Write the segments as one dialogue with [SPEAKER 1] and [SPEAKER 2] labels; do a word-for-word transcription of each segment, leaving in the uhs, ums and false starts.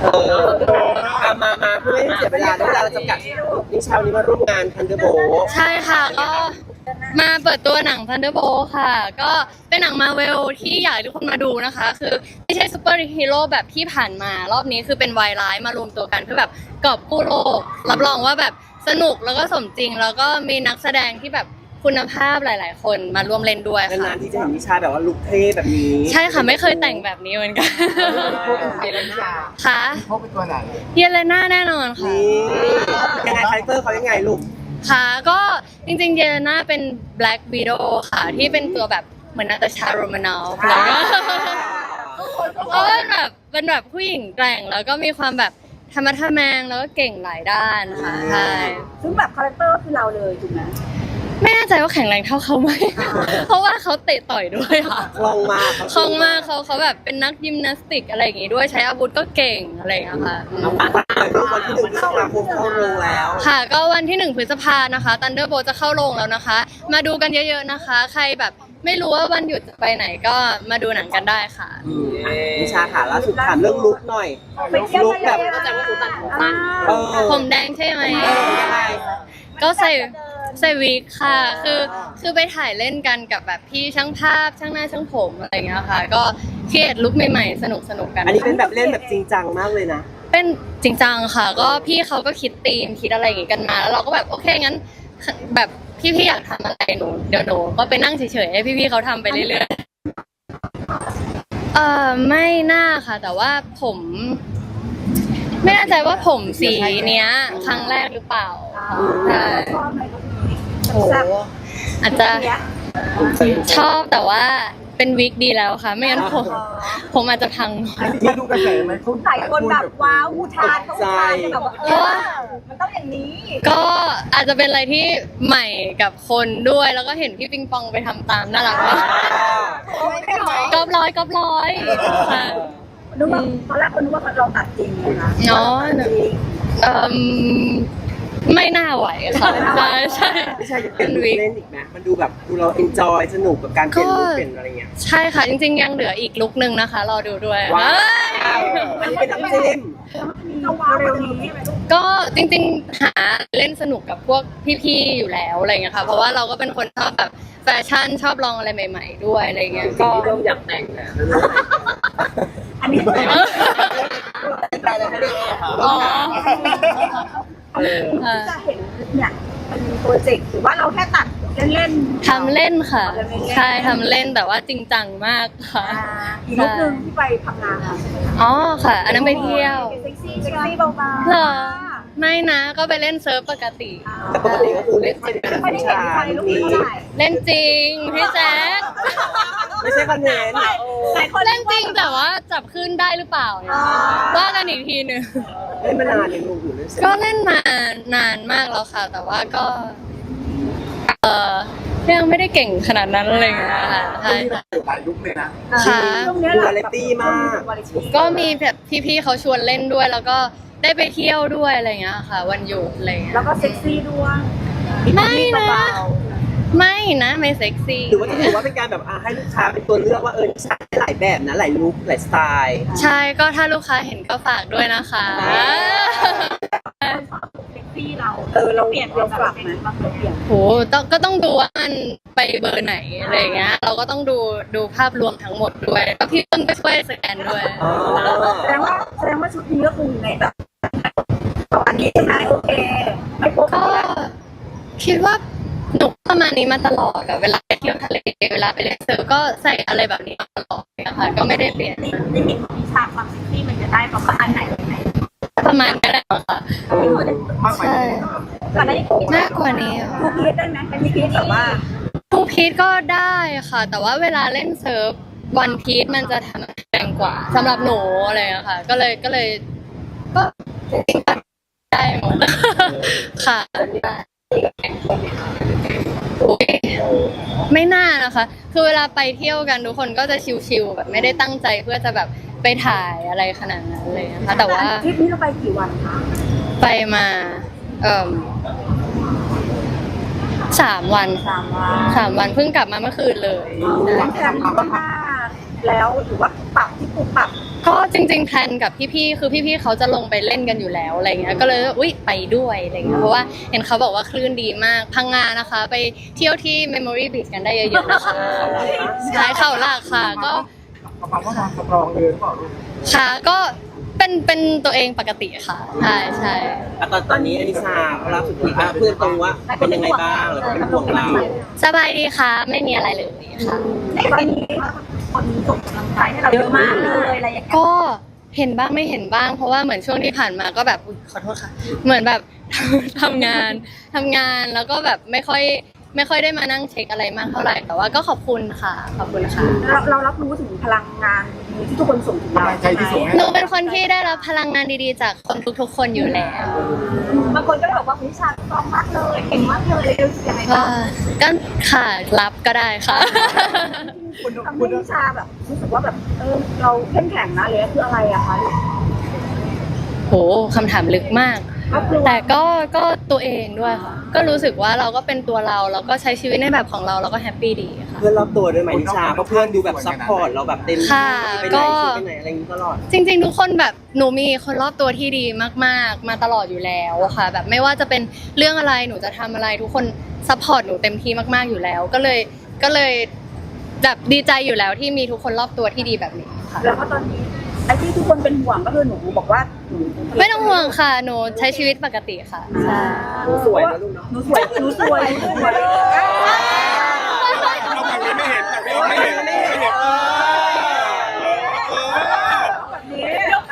[SPEAKER 1] เออเอามามาเพื่อไม่ให้เสียเวลาแล้วเวลาเราจำกัดนิชาวันนี้มาร่วมงานทันเดอร์โบ
[SPEAKER 2] ใช่ค่ะก็มาเปิดตัวหนัง Thunderbolt ค่ะ ก็เป็นหนังมาเวลที่อยากให้ทุกคนมาดูนะคะ คือไม่ใช่ซูเปอร์ฮีโร่แบบที่ผ่านมารอบนี้คือเป็นวายร้ายมารวมตัวกันเพื่อแบบกอบกู้โลกรับรองว่าแบบสนุกแล้วก็สมจริง แล้วก็มีนักแสดงที่แบบคุณภาพหลาย ๆ คนมาร่วมเล่นด้วยค่ะ
[SPEAKER 1] นานๆที่จะเห็นนิชาแบบว่าลุคเท่แบบนี้
[SPEAKER 2] ใช่ค่ะไม่เคยแต่งแบบนี้เหมือนกัน
[SPEAKER 3] เยเลน่า
[SPEAKER 2] ค่ะ
[SPEAKER 3] พบเป็นตัวไหน
[SPEAKER 2] เยเลน่าแน่นอนค่ะ
[SPEAKER 1] นี่ยังไงคาแรคเตอร์เขายังไงลูก
[SPEAKER 2] ค่ะก็จริงๆเยเลน่าเป็น Black Widow ค่ะที่เป็นตัวแบบเหมือนนาตาชาโรมานอฟแล้วก็ก็เป็นแบบเป็นแบบผู้หญิงแกร่งแล้วก็มีความแบบธรรมะทะแมงแล้วก็เก่งหลายด้านค่ะใช่
[SPEAKER 4] ซึ่งแบบคาแรคเตอร์คือเราเลยถูกไหม
[SPEAKER 2] ไม่แน่ใจว่าแข็งแรงเท่าเขาไหม เพราะว่าเขาเตะต่อยด้วยค่ะ
[SPEAKER 1] คล่องมาก
[SPEAKER 2] คล่องมากเขาเขาแบบเป็นนักยิมนาสติกอะไรอย่างงี้ด้วยใช้อาวุธก็เก่งอะไรอย่างเงี้ยค่ะ
[SPEAKER 1] เอาฝากวันที่หนึ่งพฤษภาคมเข้าโรงแล้ว
[SPEAKER 2] ค่ะก็วันที่หนึ่งพฤษภานะคะ Thunderbolt จะเข้าโรงแล้วนะคะ มาดูกันเยอะๆนะคะ ใครแบบไม่รู้ว่าวันหยุดจะไปไหนก็มาดูหนังกันได้ค่ะ
[SPEAKER 1] อืมนิชาค่ะล่าสุดถามเรื่องลุคหน่อย
[SPEAKER 4] ไปเที่ยว
[SPEAKER 1] ลุคแบบ
[SPEAKER 4] เข้าใจว่าคุณตัดผมสั้น
[SPEAKER 1] เออ
[SPEAKER 2] ผมแดงใช่ไหม
[SPEAKER 1] เออยังไง
[SPEAKER 2] ก็ใส่ใส่วิกค่ะ คือคือไปถ่ายเล่นกันกับแบบพี่ช่างภาพช่างหน้าช่างผมอะไรอย่างเงี้ยค่ะ ก็เครียดลุคใหม่ๆสนุกสนุกๆกัน
[SPEAKER 1] อันนี้เป็นแบบเล่นแบบจริงจังมากเลยนะ
[SPEAKER 2] เป็นจริงจังค่ะ ก็พี่เขาก็คิดธีมคิดอะไรอย่างงี้กันมา แล้วเราก็แบบโอเคงั้นแบบพี่ๆอยากทำอะไรหนูเดี๋ยวหนูก็ไปนั่งเฉยๆให้พี่ๆเขาทำไปเรื่อยๆเออไม่น่าค่ะ แต่ว่าผม ไม่แน่ใจว่าผมสีเนี้ย ครั้งแรกหรือเปล่าใช่
[SPEAKER 4] ชอบไหม
[SPEAKER 2] โอ้โหอาจจะชอบแต่ว่าเป็นวิกดีแล้วค่ะ ไม่งั้นผมผมอาจจะพัง
[SPEAKER 3] มาดูกระแสไหมคุณ
[SPEAKER 4] หลายคนแบบว้าวอุทานเขาอุทานกันแบบว่าเออมันต้องอย่างนี้
[SPEAKER 2] ก็อาจจะเป็นอะไรที่ใหม่กับคนด้วย แล้วก็เห็นพี่ปิงปองไปทำตามน่ารักมากกอบร้อยกอบร้อยค่ะ
[SPEAKER 4] นึกว่าตอนแรกคนนึกว่าเราตัดจริงนะคะ
[SPEAKER 2] เนาะเอ่มไม่น่าไหวค่ะใช่ใช่
[SPEAKER 1] ไม่ใช่จะเป็นลุคเล่นอีกไหมมันดูแบบดูเราเอนจอยสนุกกับการเปลี่ยนลุคเปลี่ยนอะไรเงี้ย
[SPEAKER 2] ใช่ค่ะ จริงๆ ยังเหลืออีกลุกหนึ่งนะคะ รอดูด้วย
[SPEAKER 1] ว้าว
[SPEAKER 2] เอ้ย
[SPEAKER 1] อันนี้เป็นน้ำจิ้ม
[SPEAKER 4] จะว้าวเร็วนี้
[SPEAKER 2] ก็จริงๆ หาเล่นสนุกกับพวกพี่ๆ อยู่แล้วอะไรเงี้ยค่ะ เพราะว่าเราก็เป็นคนชอบแบบแฟชั่นชอบลองอะไรใหม่ๆ ด้วยอะไรเงี้ย ก็
[SPEAKER 1] เริ่มอยากแต่งแล้ว
[SPEAKER 4] อันนี้
[SPEAKER 2] อ๋อ
[SPEAKER 1] เออ
[SPEAKER 2] ค่ะ
[SPEAKER 4] จะเห็นเนี่ยเป็นโปรเจกต์หรือว่าเราแค่ตัดเล่นๆ
[SPEAKER 2] ทำเล่นค่ะ ใช่ทำเล่นแต่ว่าจริงจังมากค่ะ
[SPEAKER 4] อ่าอีกรูปหนึ่งที่ไปพังงา
[SPEAKER 2] อ๋อค่ะ อันนั้นไปเที่ยว
[SPEAKER 4] เซ็กซี่เซ็กซี่เบาๆ
[SPEAKER 2] เหรอ ไม่นะ ก็ไปเล่นเซิร์ฟปกติ
[SPEAKER 1] แต่ปกติก็คือเล่นจริงเป็น
[SPEAKER 4] ไม่ได้
[SPEAKER 1] ผู้
[SPEAKER 4] เห็น
[SPEAKER 1] ชา
[SPEAKER 4] ใคร
[SPEAKER 1] ย
[SPEAKER 4] รูปนี้เท่าไหร่
[SPEAKER 2] เล่นจริงพี่แจ๊ค
[SPEAKER 1] ไม่ใช่คอนเทนต์
[SPEAKER 4] หลายคน
[SPEAKER 2] เล่นจริงแต่ว่าจับขึ้นได้หรือเปล่าเนี่ยว่ากันอีกทีหนึ่ง
[SPEAKER 1] เล่นมานานยังลูกอยู่เลยใช่ไหม
[SPEAKER 2] ก็เล่นมานานมากแล้วค่ะ แต่ว่าก็ เออยังไม่ได้เก่งขนาดนั้นอะไรอย่างเงี้ยค่ะใช่ค่ะ
[SPEAKER 3] หลายยุคเลยนะ
[SPEAKER 2] ค่ะ
[SPEAKER 4] ช่วงนี้
[SPEAKER 1] ดู
[SPEAKER 4] เรา
[SPEAKER 1] วาไรตี้มาก
[SPEAKER 2] ก็มีแบบพี่ๆเขาชวนเล่นด้วย แล้วก็ได้ไปเที่ยวด้วยอะไรอย่างเงี้ยค่ะ วันหยุดอะไรอย่างเงี้ย
[SPEAKER 4] แล้วก็เซ็กซี่ด้วย
[SPEAKER 2] ไม่นะ
[SPEAKER 4] เบา
[SPEAKER 2] ไม่นะไม่เซ็กซี่
[SPEAKER 1] หรือว่าจะถือว่าเป็นการแบบอ่ะให้ลูกค้าเป็นตัวเลือกว่าเออใช้หลายแบบนะหลายลุคหลายสไตล์
[SPEAKER 2] ใช่ก็ถ้าลูกค้าเห็นก็ฝากด้วยนะคะ
[SPEAKER 4] ๆเซ็กซี่เราเออเราเปลี่ยนเราปรับไหมเราเปลี่ยน
[SPEAKER 2] โหต้องก็ต้องดูว่ามันไปเบอร์ไหนอะไรอย่างเงี้ย เราก็ต้องดูดูภาพรวมทั้งหมดด้วยแล้วพี่ต้นก็ช่วยสแกนด้วย
[SPEAKER 1] อ๋อ
[SPEAKER 4] แสดงว่าแสดงว่าชุดนี้ก็คือในแบบอันนี้ใช่ไหมโอเคไม่พบ
[SPEAKER 2] ก็คิดว่าหนูประมาณนี้มาตลอดอะเวลาไปเที่ยวทะเลเวลาไปเล่นเซิร์ฟก็ใส่อะไรแบบนี้มาตลอดนะคะก็ไม่ได้เปลี่ยน
[SPEAKER 4] ในมิตของวิชาความเซ็กซี่มันจะได้ประมาณไหนไหน
[SPEAKER 2] ประมาณนี้แหละค่ะ
[SPEAKER 3] มากกว่า
[SPEAKER 2] ใช่
[SPEAKER 3] นี้
[SPEAKER 4] ก่อนหน้านี้
[SPEAKER 2] มากกว่านี้
[SPEAKER 4] ทูพีชได้ไหมเป็นพีชแบบว่า
[SPEAKER 2] ทูพีทก็ได้ค่ะ แต่ว่าเวลาเล่นเซิร์ฟวันพีทมันจะทำแรงกว่าสำหรับหนูอะไรอย่างเงี้ยค่ะ ก็เลยก็เลยก็จริงๆได้หมดค่ะโอ้ยไม่น่านะคะ คือเวลาไปเที่ยวกันทุกคนก็จะชิลๆแบบไม่ได้ตั้งใจเพื่อจะแบบไปถ่ายอะไรขนาดนั้นเลยนะคะแต่ว่า
[SPEAKER 4] ทริปนี้เราไปกี่วันคะ
[SPEAKER 2] ไปมาเอ่มสามวัน
[SPEAKER 4] สามวัน
[SPEAKER 2] สามวันเพิ่งกลับมาเมื่อคืนเลย
[SPEAKER 4] แพลนล่วงหน้าแล้วหรือว่าปรับที่ปรับปรับ
[SPEAKER 2] ก็จริงๆแพลนกับพี่ๆคือพี่ๆเขาจะลงไปเล่นกันอยู่แล้วอะไรเงี้ยก็เลยอุ๊ยไปด้วยอะไรเงี้ยเพราะว่าเห็นเขาบอกว่าคลื่นดีมากพังงานะคะ ไปเที่ยวที่ Memory Beach กันได้เยอะๆนะคะใช่เข่าหลากค่ะก็
[SPEAKER 3] ความว่าความสตรองเลยหรือเปล่าลูก
[SPEAKER 2] ค่ะก็เป็นเป็นตัวเองปกติค่ะใช่ใช่
[SPEAKER 1] อ่ะตอนตอนนี้อนิชาล่าสุดที่อ่ะเพื่อนตรงว่าเป็นยังไงบ้างแล้วก็เป็นห่วงเรา
[SPEAKER 2] สบายดีค่ะไม่มีอะไรเลยค่ะ
[SPEAKER 4] ในตอนนี้คนส่งกำลังใจให้เราเยอะมากเลยอะไรอย่างเงี้ย
[SPEAKER 2] ก็เห็นบ้างไม่เห็นบ้าง เพราะว่าเหมือนช่วงที่ผ่านมาก็แบบอุ๊ยขอโทษค่ะ เหมือนแบบ ทำงานทำงานแล้วก็แบบไม่ค่อยไม่ค่อยได้มานั่งเช็คอะไรมากเท่าไหร่แต่ว่าก็ขอบคุณค่ะขอบคุณค่ะ
[SPEAKER 4] เราเรารับรู้ถึงพลังงานที่ทุกคนส่งถึงเรา
[SPEAKER 3] กำลังใจที่ส่งให้
[SPEAKER 2] หนูเป็นคนที่ได้รับพลังงานดีๆ จากคนทุกๆ คนอยู่แล้ว
[SPEAKER 4] บางคนก็เลยบอกว่าวิชาซ้อมมากเลยเก่งมากเลยรู้สึกยังไง
[SPEAKER 2] ก็
[SPEAKER 4] บ้าง
[SPEAKER 2] ก็ค่ะรับก็ได้ค่ะ
[SPEAKER 3] คุณ
[SPEAKER 4] ทำ
[SPEAKER 3] คุ
[SPEAKER 4] ให้
[SPEAKER 3] ณ
[SPEAKER 4] วิชาแบบรู้สึกว่าแบบเออเราเข้มแข็งนะเลยคืออะไรอะคะ
[SPEAKER 2] โหคำถามลึกมาก
[SPEAKER 4] ก็คือ
[SPEAKER 2] แต่ก็ก็ตัวเองด้วยค่ะ ก็รู้สึกว่าเราก็เป็นตัวเราเราก็ใช้ชีวิตในแบบของเราเราก็แฮปปี้ดีค่ะ
[SPEAKER 1] เพื่อนรอบตัวด้วยไหมนิชาเพราะเพื่อนดูแบบซัพพอร์ตเราแบบเต็มที่
[SPEAKER 2] ค่ะ
[SPEAKER 1] ไป
[SPEAKER 2] ก็
[SPEAKER 1] ไหนไปไหนอะไรอย่างนี้ตลอด
[SPEAKER 2] จริงๆ ทุกคนแบบหนูมีคนรอบตัวที่ดีมากๆ มาตลอดอยู่แล้วอะค่ะ แบบไม่ว่าจะเป็นเรื่องอะไรหนูจะทำอะไรทุกคนซัพพอร์ตหนูเต็มที่มากๆอยู่แล้ว ก็เลยก็เลยแบบดีใจอยู่แล้วที่มีทุกคนรอบตัวที่ดีแบบนี้ค่ะ
[SPEAKER 4] แล้วก็ตอนนี้ไอ้ที่ทุกคนเป็นห่วงก็คือหนูบอกว่าหนู
[SPEAKER 2] ไม่ต้องห่วงค่ะ หนูใช้ชีวิตปกติค่ะใช่
[SPEAKER 1] หนูสวยนะลูกเนาะ
[SPEAKER 4] หนูสวยหนูสวยหนูสวย
[SPEAKER 5] เอาแบบนี้ไม่เห็นแบบนี้ไม่เห็นไม่เห็น
[SPEAKER 4] แบบนี้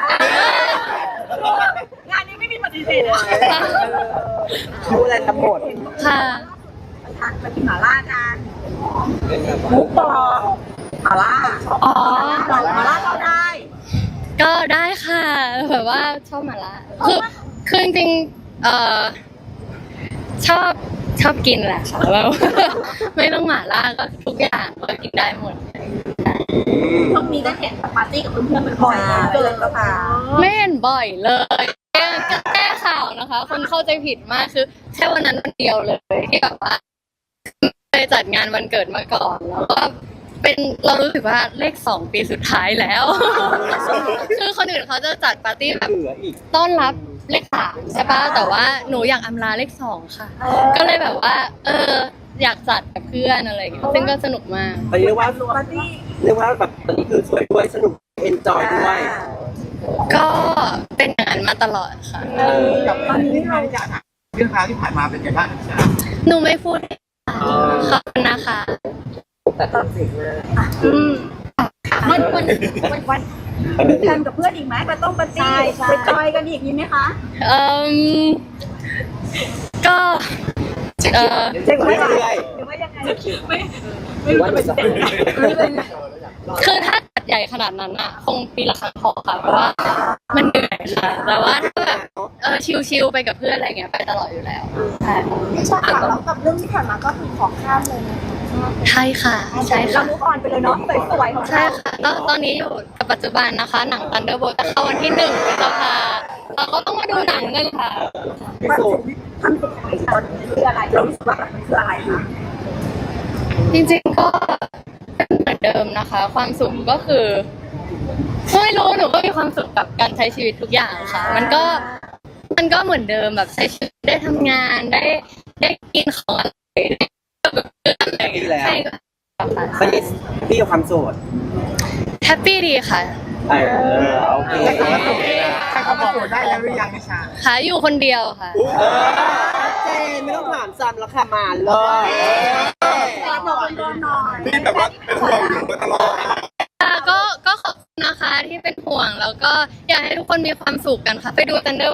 [SPEAKER 4] งานนี้ไม่มีปฏิเสธนะ
[SPEAKER 1] รู้อะไรทั้งหมด
[SPEAKER 2] ค่ะ
[SPEAKER 4] ทานไปกินหม่าล่ากันหมูกรอบหม่าล่า
[SPEAKER 2] อ๋อ
[SPEAKER 4] หม่าล่าเราได้
[SPEAKER 2] ก็ได้ค่ะแบบว่าชอบหมาล่าคือคือจริงๆเอ่อชอบชอบกินแหละค่ะแบบ ไม่ต้องหมาล่าก็ทุกอย่างก็กินได้หมด
[SPEAKER 4] ช่วงนี้ได้เห็นปาร์ตี้กับเพื่อนๆบ่อยๆเกินแล้วค่ะ
[SPEAKER 2] ไม่เห็นบ่อยเลยแก้แก้ข่าวนะคะ คนเข้าใจผิดมากคือแค่วันนั้นวันเดียวเลยที่แบบว่าไปจัดงานวันเกิดมาก่อนแล้วก็เป็นเรารู้สึกว่าเลขสองปีสุดท้ายแล้ว คือคนอื่นเขาจะจัดปาร์ตี้แบบ
[SPEAKER 1] เหลืออีก
[SPEAKER 2] ต้อนรับเลขสามใช่ปะแต่ว่าหนูอยากอำลาเลขสองค่ะ ก็เลยแบบว่า เอออยากจัดกับเพื่อนอะไรอย่างเงี้ยซึ่งก็สนุกมาก
[SPEAKER 1] ตอนนี้เรียกว่า
[SPEAKER 4] ปาร์ตี้
[SPEAKER 1] เรียกว่าแบบตอนนี้คือสวยด้วยสนุกเอนจอยด้วย
[SPEAKER 2] ก็เป็นอย่างนั้นมาตลอดค่ะ
[SPEAKER 3] กับตอนนี้ที่เราอยากถามเรื่องราวที่ผ่านมาเป็นไงบ้างจ๊ะ
[SPEAKER 2] หนูไม่พูดขอบคุณนะคะ
[SPEAKER 1] แต่ตัดสินเลย
[SPEAKER 2] อืม
[SPEAKER 4] วันวันวันวันมีแพลนกับเพื่อนอีกไหมไปต้องปาร์ตี้ไปจอยกันอีกมีไหมคะ
[SPEAKER 2] เอ่มก็เออ
[SPEAKER 1] เช็คไว้เรื่อย
[SPEAKER 4] หรือว่ายังไง
[SPEAKER 1] ๆหรือว่าจะ
[SPEAKER 2] คือถ้าจัดใหญ่ขนาดนั้นอะคงปีละครั้งพอค่ะเพราะว่ามันเหนื่อยค่ะแต่ว่าถ้าแบบเออชิลๆไปกับเพื่อนอะไรเงี้ยไปตลอดอยู่แล้วใช่
[SPEAKER 4] ไม่ใช่ค่ะแล้วกับเรื่องที่ผ่านมาก็คือขอข้ามเลย
[SPEAKER 2] ใช่ค่ะใช่
[SPEAKER 4] เรา
[SPEAKER 2] ค่ะ
[SPEAKER 4] ลูกออนไปเลยเนาะสวยๆของ
[SPEAKER 2] ใช่
[SPEAKER 4] เรา
[SPEAKER 2] ค่ะตอนตอนนี้อยู่กับปัจจุบันนะคะ หนัง Thunderbolt จะเข้าวันที่หนึ่งพฤษภาเราก็ต้องมาดูหนังกันค่ะ
[SPEAKER 4] ความสุขทำสุขของเราคืออะไรเรารู้สึกว่ามันคืออะไรคะ
[SPEAKER 2] จริงๆก็เป็นเหมือนเดิมนะคะ ความสุขก็คือไม่รู้หนูก็มีความสุขกับการใช้ชีวิตทุกอย่างค่ะ มันก็มันก็เหมือนเดิมแบบใช้ชีวิตได้ทำงานได้ได้กินของอร่อยได้กับเพื่อนอะไรอย่างเงี้ยใช่ค่ะ
[SPEAKER 1] ตอนนี้พี่กับความโสด
[SPEAKER 2] แฮปปี้ดีค่ะ
[SPEAKER 1] เออโอเค
[SPEAKER 3] ใครเขามาตรวจได้แล้วหรือยังนิชา
[SPEAKER 2] ค่ะอยู่คนเดียวค่ะ
[SPEAKER 1] เจนไม่ต้องถามซ้ำแล้วค่ะมาเลย
[SPEAKER 4] รับรองโดนหน่อย
[SPEAKER 5] นี่แบบว่าเป็นห่วงอยู่มาตลอด
[SPEAKER 2] ค่ะก็ก็ขอบคุณนะคะที่เป็นห่วงแล้วก็อยากให้ทุกคนมีความสุขกันค่ะ ไปดูกันเด้อ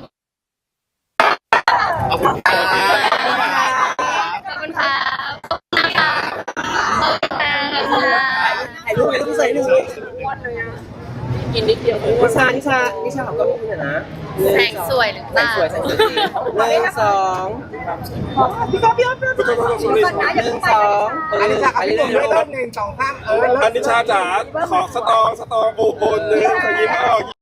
[SPEAKER 5] ขอบคุณครับ
[SPEAKER 2] ขอบคุณค่ะขอบคุณนะคะขอบคุณค่ะขอบคุณค่ะ
[SPEAKER 1] ถ่ายรูปไปรูปใส่หนึ่งกินนิดเดียวนิชานิชานิชาเขาก็มีนะ
[SPEAKER 2] แสงสวยหรือเป
[SPEAKER 1] แสง
[SPEAKER 2] ล่า
[SPEAKER 1] สวยแสงสวยหนึ่งสองพี่ก๊อฟพี่ก๊อฟพี่ก๊อฟ
[SPEAKER 4] ก่อนนะอย่า
[SPEAKER 1] ห
[SPEAKER 4] เพิ่
[SPEAKER 1] นึ่
[SPEAKER 4] ง
[SPEAKER 1] ง
[SPEAKER 4] ไป
[SPEAKER 1] สองเอ
[SPEAKER 3] อัน
[SPEAKER 1] อ
[SPEAKER 3] นี้ชา
[SPEAKER 1] ไป
[SPEAKER 3] อันนี้
[SPEAKER 1] เรื่
[SPEAKER 3] ผม
[SPEAKER 1] อย
[SPEAKER 3] เริ่มหนึ่งสองสามเออ
[SPEAKER 5] อันนิชาจ๋าขอสตองสตองโอ้โหเลยขอยิ้มออก